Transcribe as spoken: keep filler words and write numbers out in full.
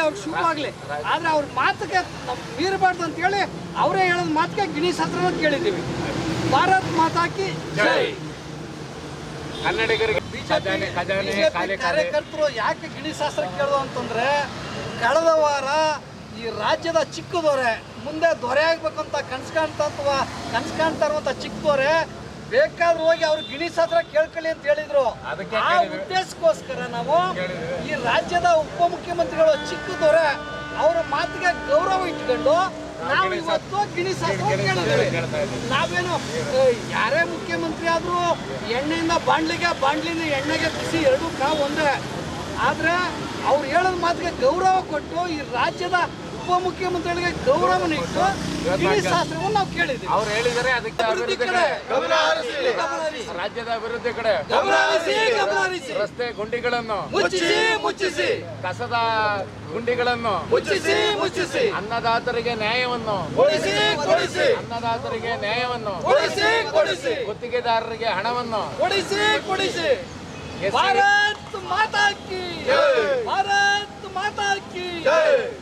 ಅವ್ರಿಗೆ ಶುಭವಾಗಲಿ. ಆದರೆ ಅವ್ರ ಮಾತಿಗೆ ನಾವು ಮೀರಬಾರ್ದು ಅಂತೇಳಿ ಅವರೇ ಹೇಳೋದು ಮಾತಿಗೆ ಗಿಣಿ ಶಾಸ್ತ್ರನ ಕೇಳಿದ್ದೀವಿ. ಭಾರತ್ ಮಾತಾಕಿ ಜೈ. ಕನ್ನಡಿಗರಿಗೆ ಬಿಜೆಪಿ ಕಾರ್ಯಕರ್ತರು ಯಾಕೆ ಗಿಣಿ ಶಾಸ್ತ್ರ ಕೇಳೋದು ಅಂತಂದ್ರೆ, ಕಳೆದ ವಾರ ಈ ರಾಜ್ಯದ ಚಿಕ್ಕ ದೊರೆ ಮುಂದೆ ದೊರೆ ಆಗ್ಬೇಕಂತ ಕನ್ಸು ಕಾಣ್ತಾ ಅಥವಾ ಕನ್ಸು ಕಾಣ್ತಾ ಇರುವಂತ ಚಿಕ್ಕ ದೊರೆ ಬೇಕಾದ್ರೂ ಹೋಗಿ ಅವ್ರು ಗಿಣಿ ಶಾಸ್ತ್ರ ಕೇಳ್ಕೊಳ್ಳಿ ಅಂತ ಹೇಳಿದ್ರು. ಆ ಉದ್ದೇಶಕ್ಕೋಸ್ಕರ ನಾವು ಈ ರಾಜ್ಯದ ಉಪಮುಖ್ಯಮಂತ್ರಿಗಳು ಚಿಕ್ಕ ದೊರೆ ಅವರ ಮಾತಿಗೆ ಗೌರವ ಇಟ್ಕೊಂಡು ನಾವು ಇವತ್ತು ಗಿಣಿ ಶಾಸ್ತ್ರ ಕೇಳಿದ್ದೇವೆ. ನಾವೇನು ಯಾರೇ ಮುಖ್ಯಮಂತ್ರಿ ಆದ್ರೂ ಎಣ್ಣೆಯಿಂದ ಬಾಂಡ್ಲಿಗೆ, ಬಾಂಡ್ಲಿಂದ ಎಣ್ಣೆಗೆ ಬಿಸಿ ಎರಡೂ ಕಾವು ಒಂದೇ. ಆದ್ರೆ ಅವ್ರು ಹೇಳೋದ್ ಮಾತಿಗೆ ಗೌರವ ಕೊಟ್ಟು ಈ ರಾಜ್ಯದ ಉಪಮುಖ್ಯಮಂತ್ರಿಗಳಿಗೆ ಗೌರವನ ಇಟ್ಟು ಗಿಣಿ ಶಾಸ್ತ್ರವನ್ನು ನಾವು ಕೇಳಿದ್ದೀವಿ. ಅವ್ರು ಹೇಳಿದರೆ ಅದಕ್ಕೆ ಅಭಿವೃದ್ಧಿ ಕಡೆ ರಾಜ್ಯದ ಅಭಿವೃದ್ಧಿ ಕಡೆ ರಸ್ತೆ ಗುಂಡಿಗಳನ್ನು ಮುಚ್ಚಿಸಿ ಮುಚ್ಚಿಸಿ, ಕಸದ ಗುಂಡಿಗಳನ್ನು ಮುಚ್ಚಿಸಿ ಮುಚ್ಚಿಸಿ, ಅನ್ನದಾತರಿಗೆ ನ್ಯಾಯವನ್ನು ಕೊಡಿಸಿ ಕೊಡಿಸಿ, ಅನ್ನದಾತರಿಗೆ ನ್ಯಾಯವನ್ನು ಕೊಡಿಸಿ ಕೊಡಿಸಿ, ಗುತ್ತಿಗೆದಾರರಿಗೆ ಹಣವನ್ನು ಕೊಡಿಸಿ ಕೊಡಿಸಿ. ಭಾರತ್ ಮಾತಾ ಕಿ, ಭಾರತ್ ಮಾತಾ ಕಿ.